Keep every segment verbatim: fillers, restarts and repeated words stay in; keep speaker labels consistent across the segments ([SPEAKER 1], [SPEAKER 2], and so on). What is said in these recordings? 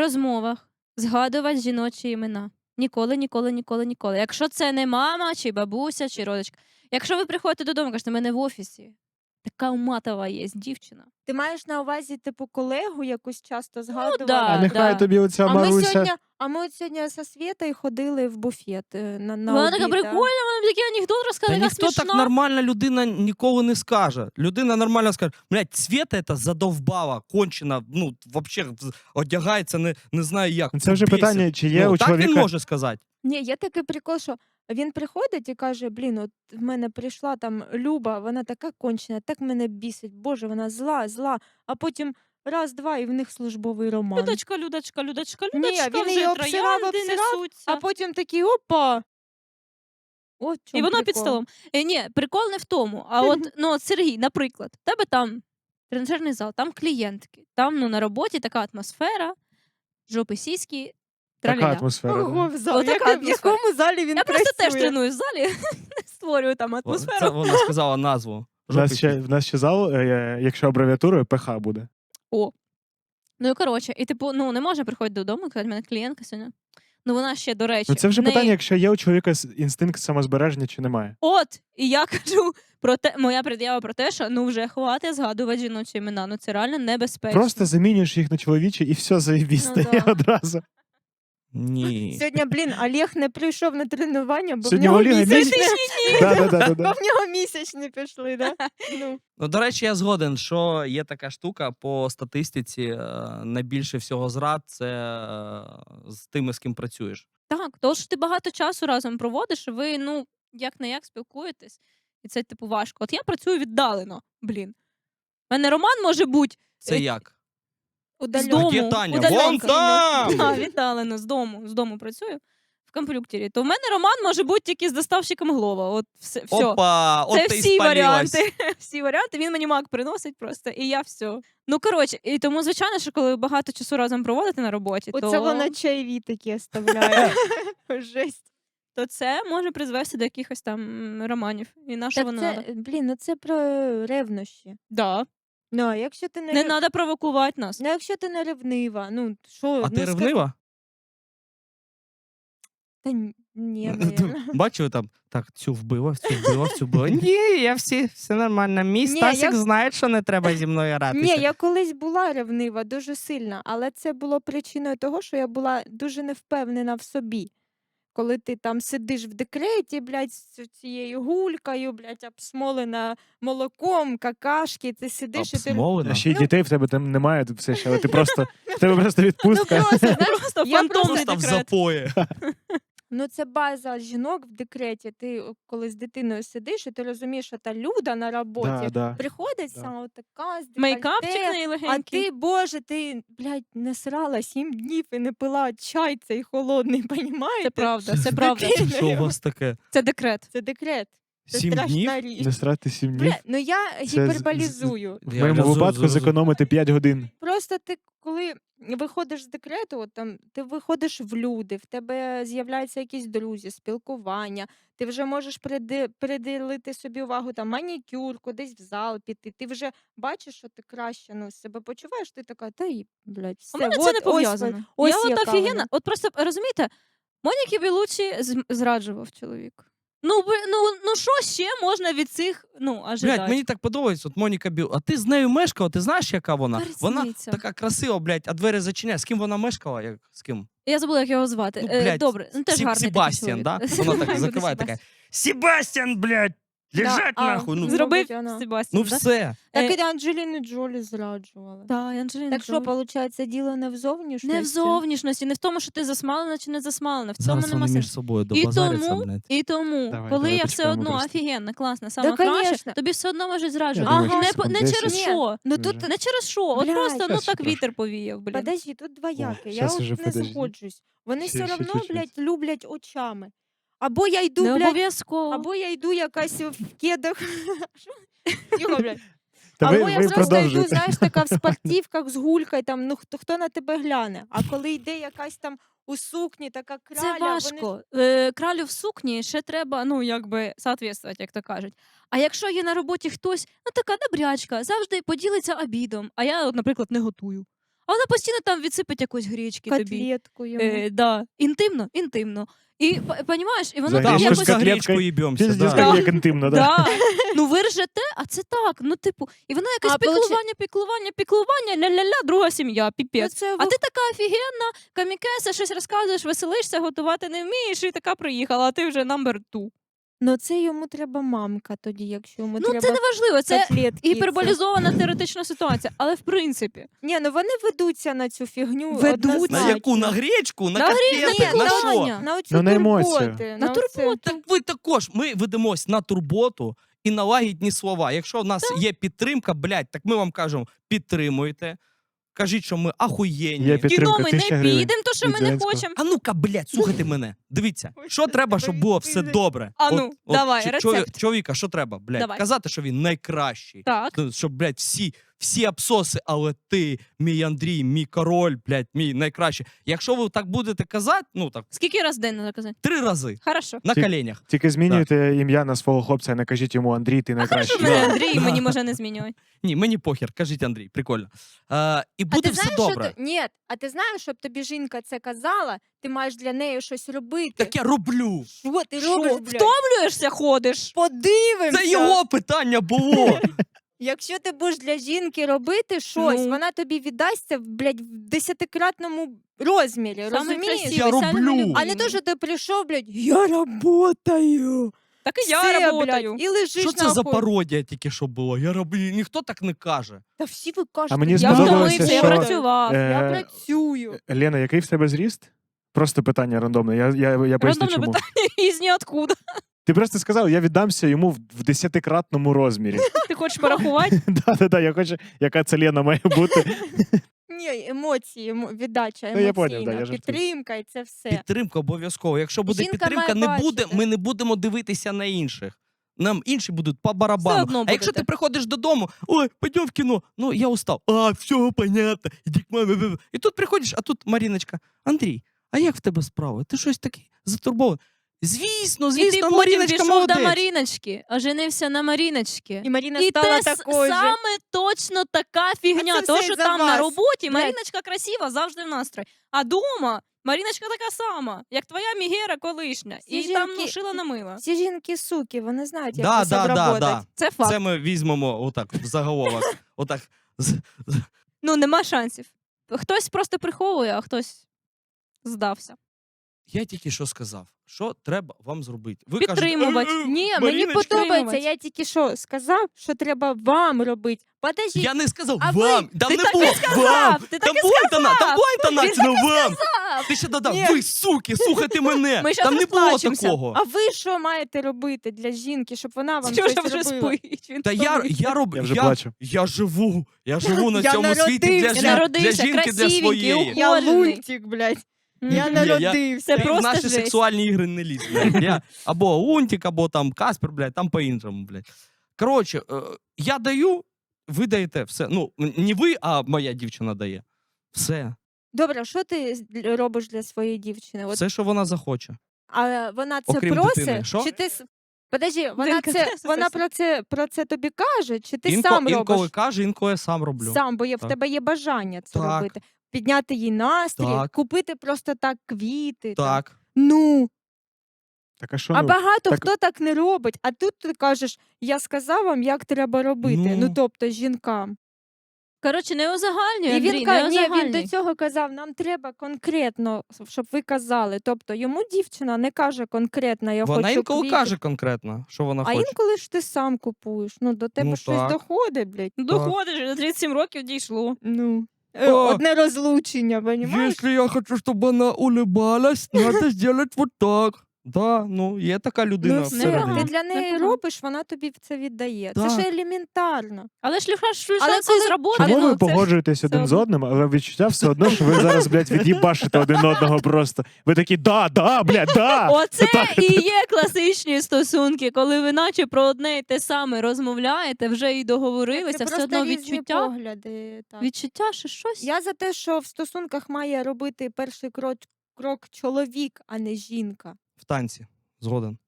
[SPEAKER 1] розмовах згадувати жіночі імена. Ніколи, ніколи, ніколи, ніколи. Якщо це не мама, чи бабуся, чи родичка. Якщо ви приходите додому, кажете, мене в офісі, така уматова є дівчина.
[SPEAKER 2] Ти маєш на увазі, типу, колегу якусь часто
[SPEAKER 1] Ну,
[SPEAKER 2] згадувала?
[SPEAKER 1] да,
[SPEAKER 3] А нехай
[SPEAKER 1] да.
[SPEAKER 3] тобі оця
[SPEAKER 2] А ми
[SPEAKER 3] Маруся.
[SPEAKER 2] сьогодні, а ми от сьогодні зі Світою ходили в буфет е, на, на
[SPEAKER 1] Вона
[SPEAKER 2] обід.
[SPEAKER 1] така
[SPEAKER 2] да.
[SPEAKER 1] прикольна, вона мені такий анекдот
[SPEAKER 4] Та
[SPEAKER 1] розказує, яка
[SPEAKER 4] ніхто
[SPEAKER 1] смішна.
[SPEAKER 4] так нормально людина ніколи не скаже. Людина нормально скаже, блядь, Света це задовбала, кончена, ну, вообще одягається, не, не знаю як.
[SPEAKER 3] Це вже
[SPEAKER 4] бесить.
[SPEAKER 3] питання, чи є
[SPEAKER 4] Ну,
[SPEAKER 3] у
[SPEAKER 4] так він
[SPEAKER 3] чоловіка.
[SPEAKER 4] може сказати.
[SPEAKER 2] Ні, є такий прикол, що він приходить і каже, блін, от в мене прийшла там Люба, вона така кончена, так мене бісить, боже, вона зла, зла, а потім раз, два, і в них службовий роман.
[SPEAKER 1] Людочка, Людочка, Людочка,
[SPEAKER 2] Ні,
[SPEAKER 1] Людочка,
[SPEAKER 2] він
[SPEAKER 1] вже
[SPEAKER 2] її обсирав,
[SPEAKER 1] троянди
[SPEAKER 2] обсирав,
[SPEAKER 1] несуться.
[SPEAKER 2] А потім такий, опа! От в
[SPEAKER 1] І
[SPEAKER 2] чому
[SPEAKER 1] вона під
[SPEAKER 2] прикол.
[SPEAKER 1] столом. Е, ні, прикол не в тому. А от, ну, от Сергій, наприклад, в тебе там тренажерний зал, там клієнтки, там ну, на роботі така атмосфера, жопи сіські,
[SPEAKER 3] Така
[SPEAKER 1] траля.
[SPEAKER 3] атмосфера.
[SPEAKER 2] Ого,
[SPEAKER 3] Да.
[SPEAKER 2] в, зал...
[SPEAKER 1] Отака
[SPEAKER 2] Яка- в
[SPEAKER 1] атмосфера.
[SPEAKER 2] якому залі він
[SPEAKER 1] Я просто
[SPEAKER 2] працює?
[SPEAKER 1] теж тренуюсь в залі, створюю там
[SPEAKER 4] О,
[SPEAKER 1] атмосферу.
[SPEAKER 4] Це вона сказала назву.
[SPEAKER 3] В нас,
[SPEAKER 4] Жопи
[SPEAKER 3] ще, в нас ще зал, е, якщо абревіатурою, ПХ буде.
[SPEAKER 1] О. Ну і коротше, і типу, ну не можна приходити додому і казати, в мене клієнтка сьогодні. Ну вона ще, до речі,
[SPEAKER 3] Ну це вже
[SPEAKER 1] в неї-
[SPEAKER 3] питання, якщо є у чоловіка с- інстинкт самозбереження чи немає.
[SPEAKER 1] От, і я кажу про те, моя пред'ява про те, що ну вже хватить згадувати жіночі імена. Ну це реально небезпечно.
[SPEAKER 3] Просто замінюєш їх на чоловічі і все заєбісь
[SPEAKER 2] Ну,
[SPEAKER 3] стає
[SPEAKER 2] да.
[SPEAKER 3] одразу.
[SPEAKER 4] Ні.
[SPEAKER 2] Сьогодні, блін, Олег не прийшов на тренування, бо
[SPEAKER 3] Сьогодні
[SPEAKER 2] в нього
[SPEAKER 3] Олега
[SPEAKER 2] місячне...
[SPEAKER 3] місяць- Да, да, да, да,
[SPEAKER 2] бо
[SPEAKER 3] да.
[SPEAKER 2] в нього місячні пішли, да? Ну.
[SPEAKER 4] Ну, до речі, я згоден, що є така штука по статистиці, е, найбільше всього зрад це е, з тими, з ким працюєш.
[SPEAKER 1] Так, тому що ти багато часу разом проводиш, і ви, ну, як не як спілкуєтесь, і це, типу, важко. От я працюю віддалено, блін. У мене роман може бути
[SPEAKER 4] Це
[SPEAKER 1] Е,
[SPEAKER 4] як?
[SPEAKER 1] з
[SPEAKER 2] Удалено.
[SPEAKER 1] дому.
[SPEAKER 4] Де Таня?
[SPEAKER 1] удаленно.
[SPEAKER 4] Вон там!
[SPEAKER 1] Да, віддалено, з дому, з дому працюю, в комп'ютері. То в мене роман може бути тільки з доставщиком Глова. От все. все.
[SPEAKER 4] Опа, от
[SPEAKER 1] Це
[SPEAKER 4] ти і
[SPEAKER 1] всі
[SPEAKER 4] спалилась.
[SPEAKER 1] варіанти. Всі варіанти. Він мені мак приносить просто, і я все. Ну, коротше, і тому, звичайно, що коли багато часу разом проводити на роботі,
[SPEAKER 2] Оце
[SPEAKER 1] то...
[SPEAKER 2] вона чайові такі оставляє. Жесть.
[SPEAKER 1] то це може призвести до якихось там м, романів. І на що
[SPEAKER 2] Так
[SPEAKER 1] воно
[SPEAKER 2] це,
[SPEAKER 1] надо?
[SPEAKER 2] блін, ну це про ревнощі.
[SPEAKER 1] Да.
[SPEAKER 2] Ну, а якщо ти не,
[SPEAKER 1] Не
[SPEAKER 2] рев-
[SPEAKER 1] треба провокувати нас.
[SPEAKER 2] ну, якщо ти не ревнива, ну, що,
[SPEAKER 4] А
[SPEAKER 2] ну,
[SPEAKER 4] ти
[SPEAKER 2] скажи-
[SPEAKER 4] ревнива?
[SPEAKER 2] Та ні, ні, наверно.
[SPEAKER 4] Бачили там, так, цю вбила, цю вбила, цю вбила. Ні, я всі, все нормально. Мій
[SPEAKER 2] Ні,
[SPEAKER 4] Стасик
[SPEAKER 2] я-
[SPEAKER 4] знає, що не треба зі мною гратися.
[SPEAKER 2] Ні, я колись була ревнива дуже сильно, але це було причиною того, що я була дуже невпевнена в собі. Коли ти там сидиш в декреті, блядь, з цією гулькою, блядь, обсмолена молоком, какашки, ти сидиш і ти...
[SPEAKER 4] Обсмолена?
[SPEAKER 3] А ще й дітей в тебе там немає все ще, але ти просто, в тебе просто
[SPEAKER 2] Ну,
[SPEAKER 3] відпустка.
[SPEAKER 2] просто, знаєш,
[SPEAKER 1] Просто
[SPEAKER 2] я
[SPEAKER 1] фантомний
[SPEAKER 4] Просто в
[SPEAKER 1] декрет.
[SPEAKER 4] запої.
[SPEAKER 2] ну це база жінок в декреті. Ти о, коли з дитиною сидиш, і ти розумієш, що та Люда на роботі
[SPEAKER 3] Да, да.
[SPEAKER 2] приходить
[SPEAKER 3] Да.
[SPEAKER 2] саме така з
[SPEAKER 1] Мейкапчик
[SPEAKER 2] декольте,
[SPEAKER 1] неї
[SPEAKER 2] а
[SPEAKER 1] легенький.
[SPEAKER 2] ти, боже, ти, блядь, не срала сім днів і не пила чай цей холодний, понімаєте?
[SPEAKER 1] Це правда, це правда.
[SPEAKER 2] дитиною.
[SPEAKER 4] Що у вас таке?
[SPEAKER 1] Це декрет.
[SPEAKER 2] Це декрет. Це
[SPEAKER 4] Сім
[SPEAKER 2] страшна
[SPEAKER 4] днів?
[SPEAKER 2] річ.
[SPEAKER 3] Не срати сім днів.
[SPEAKER 2] Бля, ну я
[SPEAKER 3] з-
[SPEAKER 2] гіперболізую.
[SPEAKER 3] В
[SPEAKER 4] Я
[SPEAKER 3] моєму
[SPEAKER 4] розумію,
[SPEAKER 3] випадку
[SPEAKER 4] розумію.
[SPEAKER 3] зекономити п'ять годин.
[SPEAKER 2] Просто ти, коли виходиш з декрету, от там, ти виходиш в люди, в тебе з'являються якісь друзі, спілкування, ти вже можеш приди- приділити собі увагу, там, манікюр, кудись в зал піти, ти вже бачиш, що ти краще ну, себе почуваєш, ти така, та й, блядь, все,
[SPEAKER 1] У мене
[SPEAKER 2] от,
[SPEAKER 1] це не
[SPEAKER 2] ось
[SPEAKER 1] пов'язано.
[SPEAKER 2] ось
[SPEAKER 1] Я от
[SPEAKER 2] яка
[SPEAKER 1] офігенна.
[SPEAKER 2] вона.
[SPEAKER 1] От просто, розумієте, Моніки Білучі з- зраджував чоловік. Ну, ви- ну, ну що ще можна від цих, ну, ожидати?
[SPEAKER 4] Блядь, мені так подобається, от Моніка Біл. А ти з нею мешкала, ти знаєш, яка вона?
[SPEAKER 1] Яка
[SPEAKER 4] Вона
[SPEAKER 1] різниця?
[SPEAKER 4] така красива, блядь, а двері зачиняє. З ким вона мешкала? Як, з ким?
[SPEAKER 1] Я забула, як його звати.
[SPEAKER 4] Ну,
[SPEAKER 1] Е,
[SPEAKER 4] блядь,
[SPEAKER 1] Добре, ну теж
[SPEAKER 4] Сі-
[SPEAKER 1] гарний
[SPEAKER 4] Себастьян, да?
[SPEAKER 1] такий чоловік.
[SPEAKER 4] Вона так
[SPEAKER 1] Буде
[SPEAKER 4] закриває, така,
[SPEAKER 1] Себастьян.
[SPEAKER 4] Себастьян, блядь, лежать
[SPEAKER 2] а,
[SPEAKER 4] нахуй. Ну,
[SPEAKER 2] зро-
[SPEAKER 1] Зробив
[SPEAKER 2] Мабуть, вона.
[SPEAKER 1] Себастьян,
[SPEAKER 4] ну
[SPEAKER 1] да?
[SPEAKER 4] все.
[SPEAKER 2] Так
[SPEAKER 1] Е,
[SPEAKER 2] і Анджеліну Джолі зраджувала.
[SPEAKER 1] Да, і Анджеліна
[SPEAKER 2] Так що,
[SPEAKER 1] Джолі.
[SPEAKER 2] виходить, діло не в зовнішності?
[SPEAKER 1] Не в зовнішності, не в тому, що ти засмалена чи не засмалена. В цьому
[SPEAKER 4] Зараз
[SPEAKER 1] нема
[SPEAKER 4] вони між
[SPEAKER 1] сенсу.
[SPEAKER 4] собою
[SPEAKER 1] І
[SPEAKER 4] добазаряться,
[SPEAKER 1] тому,
[SPEAKER 4] блядь.
[SPEAKER 1] і тому,
[SPEAKER 3] Давай,
[SPEAKER 1] коли
[SPEAKER 3] давай
[SPEAKER 1] я все
[SPEAKER 3] почекаємо
[SPEAKER 1] одно
[SPEAKER 3] просто.
[SPEAKER 1] офігенна, класна, сама
[SPEAKER 2] Да,
[SPEAKER 1] краща,
[SPEAKER 2] конечно.
[SPEAKER 1] тобі все одно можуть
[SPEAKER 3] Я
[SPEAKER 1] зраджувати.
[SPEAKER 3] думаю,
[SPEAKER 1] І не,
[SPEAKER 3] що
[SPEAKER 1] по- не
[SPEAKER 3] секунд
[SPEAKER 1] через
[SPEAKER 3] десять.
[SPEAKER 1] що.
[SPEAKER 2] Ну
[SPEAKER 3] Вже.
[SPEAKER 2] тут
[SPEAKER 1] Не через що. От
[SPEAKER 2] Блядь.
[SPEAKER 1] просто, ну
[SPEAKER 3] Щас
[SPEAKER 1] так
[SPEAKER 3] трошки.
[SPEAKER 1] вітер повіяв, блін.
[SPEAKER 2] Подожди, тут двояке. Я
[SPEAKER 3] щас
[SPEAKER 2] от
[SPEAKER 3] уже
[SPEAKER 2] не
[SPEAKER 3] подожди.
[SPEAKER 2] згоджусь. Вони
[SPEAKER 3] Ще-
[SPEAKER 2] все
[SPEAKER 3] ще
[SPEAKER 2] одно,
[SPEAKER 3] чуть-чуть.
[SPEAKER 2] блядь, люблять очами. Або я йду,
[SPEAKER 1] Не
[SPEAKER 2] блядь,
[SPEAKER 1] обов'язково.
[SPEAKER 2] або я йду якась в кедах. Що? Тихо, блядь.
[SPEAKER 3] Та ви,
[SPEAKER 2] Або я
[SPEAKER 3] ви
[SPEAKER 2] просто йду,
[SPEAKER 3] продовжуйте.
[SPEAKER 2] знаєш, така в спортивках з гулькою, там, ну хто, хто на тебе гляне. А коли йде якась там у сукні, така краля,
[SPEAKER 1] Це
[SPEAKER 2] вони ж-
[SPEAKER 1] важко. Е, Кралю в сукні ще треба, ну, якби, соответствувати, як то кажуть. А якщо є на роботі хтось, ну, така добрячка, завжди поділиться обідом, а я, от, наприклад, не готую. А вона постійно там відсипить якоїсь гречки тобі.
[SPEAKER 2] Котлетку йому.
[SPEAKER 1] Е, да. Інтимно, інтимно. І, п- понімаєш, і воно
[SPEAKER 3] Взагалі,
[SPEAKER 4] Да,
[SPEAKER 1] там
[SPEAKER 3] що
[SPEAKER 4] ми
[SPEAKER 3] ж
[SPEAKER 4] ж
[SPEAKER 1] якось...
[SPEAKER 4] за
[SPEAKER 3] котлетка
[SPEAKER 4] гречку їбемося.
[SPEAKER 3] Піздець,
[SPEAKER 4] Да.
[SPEAKER 3] як інтимно, да?
[SPEAKER 1] Да. Ну ви ржете, а це так. Ну, типу, і воно якесь
[SPEAKER 2] А, получи-
[SPEAKER 1] піклування, піклування, піклування, ля-ля-ля, друга сім'я,
[SPEAKER 2] Ну,
[SPEAKER 1] піпець.
[SPEAKER 2] це
[SPEAKER 1] А
[SPEAKER 2] во-
[SPEAKER 1] ти така офігенна, камікеса, щось розказуєш, веселишся, готувати не вмієш, і така приїхала, а ти вже number two.
[SPEAKER 2] Ну це йому треба мамка тоді, якщо йому
[SPEAKER 1] Ну,
[SPEAKER 2] треба
[SPEAKER 1] це не важливо, це
[SPEAKER 2] котлетки.
[SPEAKER 1] гіперболізована теоретична ситуація, але в принципі.
[SPEAKER 2] Ні, ну вони ведуться на цю фігню.
[SPEAKER 1] Ведуться?
[SPEAKER 4] На
[SPEAKER 2] однозначно.
[SPEAKER 4] яку? На гречку? На
[SPEAKER 1] На грі-
[SPEAKER 4] котлети?
[SPEAKER 1] на
[SPEAKER 4] На
[SPEAKER 1] піклування.
[SPEAKER 4] що?
[SPEAKER 2] На оцю
[SPEAKER 3] Ну, на емоцію.
[SPEAKER 2] турботи,
[SPEAKER 1] На
[SPEAKER 2] оце.
[SPEAKER 1] турботу.
[SPEAKER 4] Так ви також, ми ведемось на турботу і на лагідні слова. Якщо в нас є підтримка, блядь, так ми вам кажемо, підтримуйте. Кажіть, що ми ахуєнні.
[SPEAKER 3] Є
[SPEAKER 1] В кіно
[SPEAKER 3] підтримка,
[SPEAKER 1] ми
[SPEAKER 3] тисяча
[SPEAKER 1] не
[SPEAKER 3] гривень
[SPEAKER 1] підемо, то що
[SPEAKER 3] від
[SPEAKER 1] ми не
[SPEAKER 3] Зеленського.
[SPEAKER 1] хочемо.
[SPEAKER 4] А ну-ка, блядь, слухайте мене. Дивіться,
[SPEAKER 2] Ой,
[SPEAKER 4] що
[SPEAKER 2] що
[SPEAKER 4] треба,
[SPEAKER 2] тебе
[SPEAKER 4] щоб було все
[SPEAKER 2] відпиздить.
[SPEAKER 4] добре.
[SPEAKER 1] А ну, давай,
[SPEAKER 4] чо-
[SPEAKER 1] рецепт.
[SPEAKER 4] Чоловіка, що треба, блядь?
[SPEAKER 1] Давай.
[SPEAKER 4] Казати, що він найкращий.
[SPEAKER 1] Так.
[SPEAKER 4] Ну, щоб, блядь, всі, всі абсоси, але ти, мій Андрій, мій король, блядь, мій найкращий. Якщо ви так будете казати, ну так,
[SPEAKER 1] Скільки раз в день треба казати?
[SPEAKER 4] три рази
[SPEAKER 1] Хорошо.
[SPEAKER 4] на
[SPEAKER 3] Ті-
[SPEAKER 4] коленях.
[SPEAKER 3] Тільки змінюйте ім'я на свого хлопця і не кажіть йому Андрій, ти найкращий.
[SPEAKER 1] Мене
[SPEAKER 4] Да.
[SPEAKER 1] Андрій
[SPEAKER 4] Да.
[SPEAKER 1] мені може не змінювати.
[SPEAKER 4] Ні, мені похер, кажіть Андрій, прикольно. Е, і
[SPEAKER 2] А
[SPEAKER 4] буде
[SPEAKER 2] ти
[SPEAKER 4] все
[SPEAKER 2] знаєш,
[SPEAKER 4] добре.
[SPEAKER 2] що ти... Ні, а ти знаєш, щоб тобі жінка це казала, ти маєш для неї щось робити.
[SPEAKER 4] Так я роблю.
[SPEAKER 2] Що ти
[SPEAKER 1] Що,
[SPEAKER 2] робиш, блядь?
[SPEAKER 1] втомлюєшся, ходиш?
[SPEAKER 2] Подивимося.
[SPEAKER 4] Це його питання було.
[SPEAKER 2] Якщо ти будеш для жінки робити щось,
[SPEAKER 1] Ну.
[SPEAKER 2] вона тобі віддасться, блядь, в десятикратному розмірі,
[SPEAKER 1] Самий
[SPEAKER 2] розумієш?
[SPEAKER 1] красивий,
[SPEAKER 4] Я
[SPEAKER 1] самий
[SPEAKER 4] роблю.
[SPEAKER 1] любимий.
[SPEAKER 2] А не то, що ти прийшов, блядь, я работаю.
[SPEAKER 1] Так і
[SPEAKER 2] Все,
[SPEAKER 1] я
[SPEAKER 2] блядь,
[SPEAKER 1] работаю.
[SPEAKER 2] і лежиш
[SPEAKER 4] Що це за
[SPEAKER 2] нахуй.
[SPEAKER 4] пародія тільки що було? Я роблю. Ніхто так не каже.
[SPEAKER 2] Та всі ви кажете,
[SPEAKER 3] А мені
[SPEAKER 1] Я
[SPEAKER 3] сподобалося,
[SPEAKER 1] втомився, я
[SPEAKER 3] що,
[SPEAKER 1] працював.
[SPEAKER 3] е,
[SPEAKER 2] Я працюю.
[SPEAKER 3] Лена, який в тебе зріст? Просто питання рандомне. Я, я, я поясню
[SPEAKER 1] Рандомне
[SPEAKER 3] чому.
[SPEAKER 1] питання із ніоткуда.
[SPEAKER 3] Ти просто сказав, я віддамся йому в, в десятикратному розмірі.
[SPEAKER 1] Ти хочеш порахувати?
[SPEAKER 3] Да-да-да, я хочу, яка це Лена має бути.
[SPEAKER 2] Ні, емоції, емо- віддача,
[SPEAKER 3] Ну, я
[SPEAKER 2] емоційна,
[SPEAKER 3] поняв, да, я жартую.
[SPEAKER 2] підтримка і це все.
[SPEAKER 4] Підтримка обов'язково. Якщо буде
[SPEAKER 2] Жінка
[SPEAKER 4] підтримка,
[SPEAKER 2] має
[SPEAKER 4] не буде,
[SPEAKER 2] бачити.
[SPEAKER 4] ми не будемо дивитися на інших. Нам інші будуть по
[SPEAKER 1] Все
[SPEAKER 4] барабану.
[SPEAKER 1] одно
[SPEAKER 4] А якщо ти
[SPEAKER 1] будете.
[SPEAKER 4] приходиш додому, ой, пойдем в кіно. Ну, я устав. А, все, понятно. Іди к мамі. бе- бе». І тут приходиш, а тут Маріночка. Андрій, а як в тебе справи? Ти щось такий затурбований. Звісно,
[SPEAKER 1] І ти
[SPEAKER 4] звісно,
[SPEAKER 1] потім
[SPEAKER 4] Маріночка
[SPEAKER 1] пішов
[SPEAKER 4] молодець.
[SPEAKER 1] до Маріночки, оженився на Маріночки.
[SPEAKER 2] І Маріна
[SPEAKER 1] І
[SPEAKER 2] стала
[SPEAKER 1] те с-
[SPEAKER 2] такою же.
[SPEAKER 1] саме точно така фігня.
[SPEAKER 2] це
[SPEAKER 1] То,
[SPEAKER 2] все
[SPEAKER 1] що
[SPEAKER 2] із-за
[SPEAKER 1] там на
[SPEAKER 2] вас.
[SPEAKER 1] роботі
[SPEAKER 2] Блядь.
[SPEAKER 1] Маріночка красива, завжди в настрої. А дома Маріночка така сама, як твоя Мігера колишня.
[SPEAKER 2] Всі
[SPEAKER 1] І там
[SPEAKER 2] жінки-
[SPEAKER 1] ну, шила на мила.
[SPEAKER 2] Всі жінки суки, вони знають, як
[SPEAKER 4] Да,
[SPEAKER 2] це
[SPEAKER 4] да, да,
[SPEAKER 2] обработать.
[SPEAKER 4] да.
[SPEAKER 1] Це факт.
[SPEAKER 4] Це ми візьмемо отак в заголовок. Отак. з-
[SPEAKER 1] Ну, нема шансів. Хтось просто приховує, а хтось здався.
[SPEAKER 4] Я тільки що сказав, що треба вам зробити. Ви
[SPEAKER 1] Підтримувати.
[SPEAKER 4] кажете, «Е, е,
[SPEAKER 2] Ні, мені
[SPEAKER 4] Маріночка».
[SPEAKER 2] подобається.
[SPEAKER 1] Підтримувати.
[SPEAKER 2] Я тільки що сказав, що треба вам робити. Подожди,
[SPEAKER 4] Я не сказав
[SPEAKER 2] А ви-
[SPEAKER 4] вам. Там
[SPEAKER 1] Ти
[SPEAKER 4] не
[SPEAKER 1] так
[SPEAKER 4] було
[SPEAKER 1] і сказав,
[SPEAKER 4] вам.
[SPEAKER 1] ти
[SPEAKER 4] Там
[SPEAKER 1] так і
[SPEAKER 4] була інтона- там
[SPEAKER 1] сказав.
[SPEAKER 4] була інтонація на вам.
[SPEAKER 1] сказав.
[SPEAKER 4] Ти ще додав,
[SPEAKER 2] Ні.
[SPEAKER 4] ви суки, слухайте мене.
[SPEAKER 1] Ми щас
[SPEAKER 4] Там не було
[SPEAKER 1] розплачемося.
[SPEAKER 4] такого.
[SPEAKER 2] а ви що маєте робити для жінки, щоб вона вам
[SPEAKER 1] Ксюша
[SPEAKER 2] щось
[SPEAKER 1] вже
[SPEAKER 2] робила?
[SPEAKER 1] спить. Він
[SPEAKER 4] Та я,
[SPEAKER 1] втомився.
[SPEAKER 4] я роблю.
[SPEAKER 3] Я вже
[SPEAKER 4] я,
[SPEAKER 3] плачу.
[SPEAKER 4] я живу. Я живу на
[SPEAKER 2] Я
[SPEAKER 4] цьому світі для,
[SPEAKER 2] народився.
[SPEAKER 4] жін,
[SPEAKER 1] Я народився,
[SPEAKER 4] для жінки, для
[SPEAKER 1] красивенький,
[SPEAKER 4] своєї.
[SPEAKER 2] Я
[SPEAKER 1] Ухожений.
[SPEAKER 2] лунтик, блядь.
[SPEAKER 1] Мгм.
[SPEAKER 2] Я
[SPEAKER 4] Ні, я-
[SPEAKER 2] народився.
[SPEAKER 1] Це
[SPEAKER 4] Ти в
[SPEAKER 1] просто
[SPEAKER 4] наші
[SPEAKER 1] жесть.
[SPEAKER 4] сексуальні ігри не лізь, блядь. Я або Лунтик, або там Каспер, блядь, там по-іншому, блядь. Коротше, е, я даю, ви даєте все. Ну, не ви, а моя дівчина дає. Все.
[SPEAKER 2] Добре, що ти з- робиш для своєї дівчини? От,
[SPEAKER 4] Все, що вона захоче.
[SPEAKER 2] а вона це
[SPEAKER 4] Окрім
[SPEAKER 2] просить?
[SPEAKER 4] дитини. Що?
[SPEAKER 2] Чи ти с- Подожди, вона
[SPEAKER 1] Динка,
[SPEAKER 2] це
[SPEAKER 1] все,
[SPEAKER 2] вона
[SPEAKER 1] все.
[SPEAKER 2] про це про це тобі каже, чи ти
[SPEAKER 4] Інко-
[SPEAKER 2] сам
[SPEAKER 4] інколи
[SPEAKER 2] робиш?
[SPEAKER 4] каже, інколи я сам роблю.
[SPEAKER 2] Сам, бо є, в
[SPEAKER 4] Так.
[SPEAKER 2] тебе є бажання це
[SPEAKER 4] Так.
[SPEAKER 2] робити. Підняти їй настрій,
[SPEAKER 4] Так.
[SPEAKER 2] купити просто так квіти. там.
[SPEAKER 4] Так.
[SPEAKER 2] Ну,
[SPEAKER 3] Так а що,
[SPEAKER 2] а
[SPEAKER 3] ну?
[SPEAKER 2] багато
[SPEAKER 3] так-
[SPEAKER 2] хто так не робить. А тут ти кажеш, я сказав вам, як треба робити. Ну,
[SPEAKER 4] Ну.
[SPEAKER 2] тобто жінкам.
[SPEAKER 1] Коротше, не узагальнюй,
[SPEAKER 2] І
[SPEAKER 1] Андрій,
[SPEAKER 2] він,
[SPEAKER 1] не
[SPEAKER 2] ка- ні, він
[SPEAKER 1] узагальнюй.
[SPEAKER 2] до цього казав, нам треба конкретно, щоб ви казали. Тобто йому дівчина не каже конкретно, я
[SPEAKER 4] Вона
[SPEAKER 2] хочу
[SPEAKER 4] інколи
[SPEAKER 2] квіти.
[SPEAKER 4] каже конкретно, що вона
[SPEAKER 2] А
[SPEAKER 4] хоче.
[SPEAKER 2] інколи ж ти сам купуєш. Ну, до тебе
[SPEAKER 4] Ну,
[SPEAKER 2] щось
[SPEAKER 4] так.
[SPEAKER 2] доходить, блядь.
[SPEAKER 1] Ну, доходиш, до тридцять сім років дійшло.
[SPEAKER 2] Ну. Е,
[SPEAKER 4] О,
[SPEAKER 2] Одне розлучення, понімаєш?
[SPEAKER 4] Если я хочу, щоб вона улыбалась, надо сделать вот так. Да, ну, є така людина
[SPEAKER 2] Ну, все,
[SPEAKER 4] всередині.
[SPEAKER 2] ти для неї
[SPEAKER 1] Непогано.
[SPEAKER 2] робиш, вона тобі це віддає.
[SPEAKER 4] Так.
[SPEAKER 2] Це ж елементарно.
[SPEAKER 1] Але шлюха шлюха
[SPEAKER 2] Але
[SPEAKER 1] це
[SPEAKER 2] коли-
[SPEAKER 1] з роботи.
[SPEAKER 3] Чому
[SPEAKER 1] ну,
[SPEAKER 3] ви
[SPEAKER 1] це ж-
[SPEAKER 3] погоджуєтесь один з
[SPEAKER 1] одно.
[SPEAKER 3] одним, але відчуття все одно, що ви зараз, блядь, від'їбашите один одного просто. Ви такі, да, да, блядь, да.
[SPEAKER 1] Оце
[SPEAKER 3] Так.
[SPEAKER 1] і є класичні стосунки, коли ви наче про одне і те саме розмовляєте, вже і договорилися,
[SPEAKER 2] Це
[SPEAKER 1] все
[SPEAKER 2] просто
[SPEAKER 1] одно
[SPEAKER 2] різні
[SPEAKER 1] відчуття.
[SPEAKER 2] погляди. Так.
[SPEAKER 1] Відчуття, що щось.
[SPEAKER 2] Я за те, що в стосунках має робити перший крок, крок чоловік, а не жінка.
[SPEAKER 4] В танці. Згоден.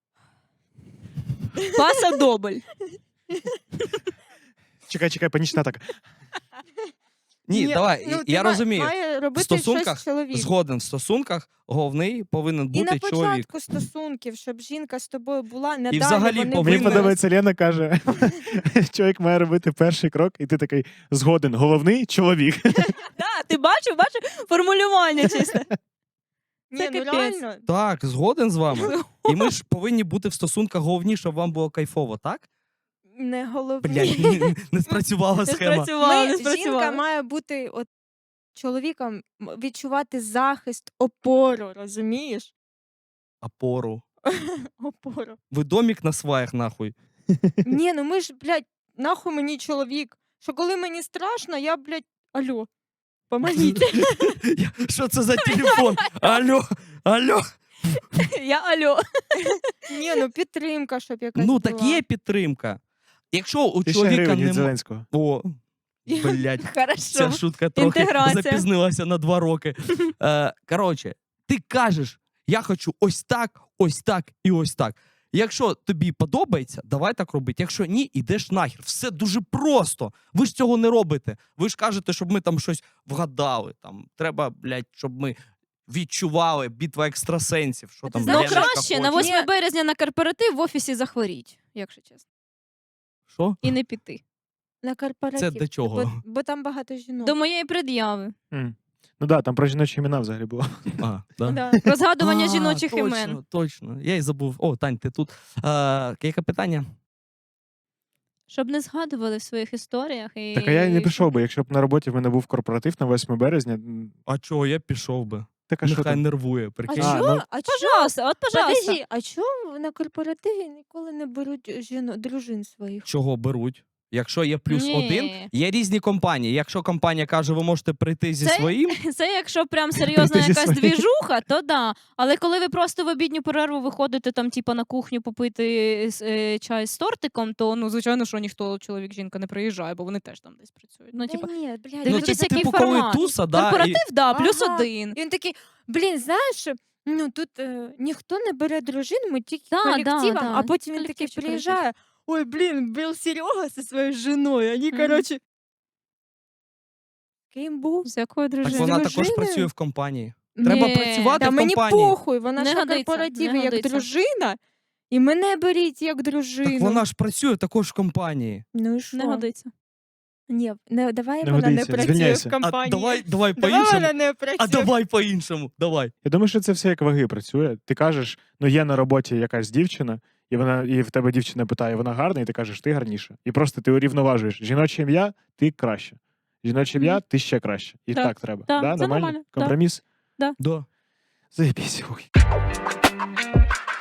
[SPEAKER 1] Паса добль.
[SPEAKER 3] Чекай, чекай, панічна атака.
[SPEAKER 4] Ні, давай,
[SPEAKER 2] ну,
[SPEAKER 4] я
[SPEAKER 2] ти ма-
[SPEAKER 4] розумію.
[SPEAKER 2] Має
[SPEAKER 4] В
[SPEAKER 2] робити
[SPEAKER 4] стосунках
[SPEAKER 2] щось чоловік.
[SPEAKER 4] згоден в стосунках головний повинен
[SPEAKER 2] І на
[SPEAKER 4] бути чоловік.
[SPEAKER 2] початку стосунків, щоб жінка з тобою була, не далі
[SPEAKER 4] взагалі
[SPEAKER 2] вони
[SPEAKER 4] повинен-
[SPEAKER 3] Мені
[SPEAKER 2] вимерли.
[SPEAKER 3] подобається, Лена каже, чоловік має робити перший крок, і ти такий згоден. Головний чоловік.
[SPEAKER 1] Да, ти бачив, бачив формулювання чисте.
[SPEAKER 2] Ні,
[SPEAKER 1] Це
[SPEAKER 2] ну
[SPEAKER 1] капець.
[SPEAKER 2] реально.
[SPEAKER 4] Так, згоден з вами. І ми ж повинні бути в стосунках головні, щоб вам було кайфово, так?
[SPEAKER 2] Не головні.
[SPEAKER 4] Блядь, не, не спрацювала
[SPEAKER 1] Не
[SPEAKER 4] схема.
[SPEAKER 1] спрацювало, не
[SPEAKER 2] Ми, жінка
[SPEAKER 1] спрацювало.
[SPEAKER 2] має бути от, чоловіком м, відчувати захист, опору, розумієш?
[SPEAKER 4] Опору.
[SPEAKER 2] Опору.
[SPEAKER 4] Ви домік на сваях, нахуй.
[SPEAKER 2] Ні, ну ми ж, блядь, нахуй мені чоловік. Що коли мені страшно, я, блядь, алло, помогіть.
[SPEAKER 4] Я- Що це за телефон? Алло, алло.
[SPEAKER 1] Я алло.
[SPEAKER 2] Ні, ну підтримка, щоб якась
[SPEAKER 4] Ну,
[SPEAKER 2] була.
[SPEAKER 4] так є підтримка. Якщо у
[SPEAKER 3] Тисяча
[SPEAKER 4] чоловіка
[SPEAKER 3] гривень від
[SPEAKER 4] немає...
[SPEAKER 3] Зеленського.
[SPEAKER 4] О, блядь.
[SPEAKER 1] Хорошо.
[SPEAKER 4] Ця шутка трохи
[SPEAKER 1] Інтеграція.
[SPEAKER 4] запізнилася на два роки. Е, коротше, ти кажеш, я хочу ось так, ось так і ось так. Якщо тобі подобається, давай так робити. Якщо ні, ідеш нахер. Все дуже просто. Ви ж цього не робите. Ви ж кажете, щоб ми там щось вгадали. Там треба, блядь, щоб ми відчували битва екстрасенсів. Що
[SPEAKER 2] А ти
[SPEAKER 4] там
[SPEAKER 2] знаєш,
[SPEAKER 1] Ну,
[SPEAKER 4] Леночка
[SPEAKER 1] краще
[SPEAKER 4] хоче.
[SPEAKER 1] на восьме
[SPEAKER 2] Ні.
[SPEAKER 1] березня на корпоратив в офісі захворіть, якщо чесно.
[SPEAKER 4] Що?
[SPEAKER 1] І не піти.
[SPEAKER 2] На корпоратив.
[SPEAKER 4] Це до чого?
[SPEAKER 2] Бо, бо там багато жінок.
[SPEAKER 1] До моєї пред'яви.
[SPEAKER 3] М. Ну так, там про жіночі імена взагалі було.
[SPEAKER 4] А, да?
[SPEAKER 2] Да.
[SPEAKER 1] Про згадування
[SPEAKER 4] А,
[SPEAKER 1] жіночих
[SPEAKER 4] точно,
[SPEAKER 1] імен.
[SPEAKER 4] Точно, я й забув. О, Тань, ти тут. А, яке питання?
[SPEAKER 1] Щоб не згадували в своїх історіях. І...
[SPEAKER 3] Так а я й не пішов би, якщо б на роботі в мене був корпоратив на восьме березня. м,
[SPEAKER 4] А чого, я пішов би.
[SPEAKER 3] Так а що
[SPEAKER 4] Нехай
[SPEAKER 3] там?
[SPEAKER 4] нервує,
[SPEAKER 2] А
[SPEAKER 4] прикинь.
[SPEAKER 3] А,
[SPEAKER 2] чого?
[SPEAKER 3] ну-
[SPEAKER 2] А чого?
[SPEAKER 1] Пожалуйста, от пожалуйста.
[SPEAKER 2] Подожди, а чому на корпоративі ніколи не беруть жіно, дружин своїх?
[SPEAKER 4] Чого беруть? Якщо є плюс
[SPEAKER 1] Ні.
[SPEAKER 4] один, є різні компанії. Якщо компанія каже, ви можете прийти зі
[SPEAKER 1] Це-
[SPEAKER 4] своїм,
[SPEAKER 1] Це якщо прям серйозна
[SPEAKER 3] Ти зі
[SPEAKER 1] якась
[SPEAKER 3] своєю.
[SPEAKER 1] двіжуха, то да. Але коли ви просто в обідню перерву виходите там, типа, на кухню попити с- е, чай з тортиком, то ну звичайно, що ніхто чоловік, жінка не приїжджає, бо вони теж там десь працюють. Ну,
[SPEAKER 2] Та
[SPEAKER 1] типа,
[SPEAKER 2] ні, блядь.
[SPEAKER 4] ну,
[SPEAKER 1] дивлячись,
[SPEAKER 4] типу,
[SPEAKER 1] який
[SPEAKER 4] типу, коли
[SPEAKER 1] формат.
[SPEAKER 4] туса, да, і...
[SPEAKER 1] Корпоратив, да, плюс
[SPEAKER 2] Ага.
[SPEAKER 1] один.
[SPEAKER 2] І він такий, блін, знаєш, ну тут е, ніхто не бере дружин, ми тільки
[SPEAKER 1] Да,
[SPEAKER 2] колективом,
[SPEAKER 1] да, да.
[SPEAKER 2] а потім він такий
[SPEAKER 1] Колективчик,
[SPEAKER 2] приїжджає, ой, блін, був Серега зі своєю жіною, вони,
[SPEAKER 1] Мгм.
[SPEAKER 2] коротше, ким був?
[SPEAKER 1] З якою
[SPEAKER 4] Так
[SPEAKER 1] дружиною?
[SPEAKER 4] вона також
[SPEAKER 2] дружиною?
[SPEAKER 4] працює в компанії. Треба
[SPEAKER 1] Ні.
[SPEAKER 4] працювати
[SPEAKER 2] Та
[SPEAKER 4] в
[SPEAKER 2] мені
[SPEAKER 4] компанії.
[SPEAKER 2] похуй, вона
[SPEAKER 1] Не
[SPEAKER 2] ж на
[SPEAKER 1] годиться,
[SPEAKER 2] корпоративі
[SPEAKER 1] не
[SPEAKER 2] як
[SPEAKER 1] годиться.
[SPEAKER 2] дружина, і мене беріть як дружину.
[SPEAKER 4] Так вона ж працює також в компанії.
[SPEAKER 2] Ну і що?
[SPEAKER 1] Не годиться.
[SPEAKER 2] Ні, не, давай
[SPEAKER 3] Не
[SPEAKER 2] вона не
[SPEAKER 3] годиться,
[SPEAKER 2] працює
[SPEAKER 3] звільняйся.
[SPEAKER 2] в
[SPEAKER 4] А
[SPEAKER 2] компанії.
[SPEAKER 4] давай, давай
[SPEAKER 2] Давай
[SPEAKER 4] по-іншому.
[SPEAKER 2] вона не працює.
[SPEAKER 4] А давай по-іншому. Давай.
[SPEAKER 3] Я думаю, що це все як ваги працює. Ти кажеш, ну є на роботі якась дівчина, і вона і в тебе дівчина питає, вона гарна, і ти кажеш, ти гарніша. І просто ти урівноважуєш жіноче ім'я, ти краще. Жіноче ім'я, ти ще краще. І
[SPEAKER 1] Да.
[SPEAKER 3] так треба.
[SPEAKER 1] Да,
[SPEAKER 3] Да,
[SPEAKER 1] це нормально, да.
[SPEAKER 3] Компроміс?
[SPEAKER 4] Да.
[SPEAKER 3] Заєбісь. Ой.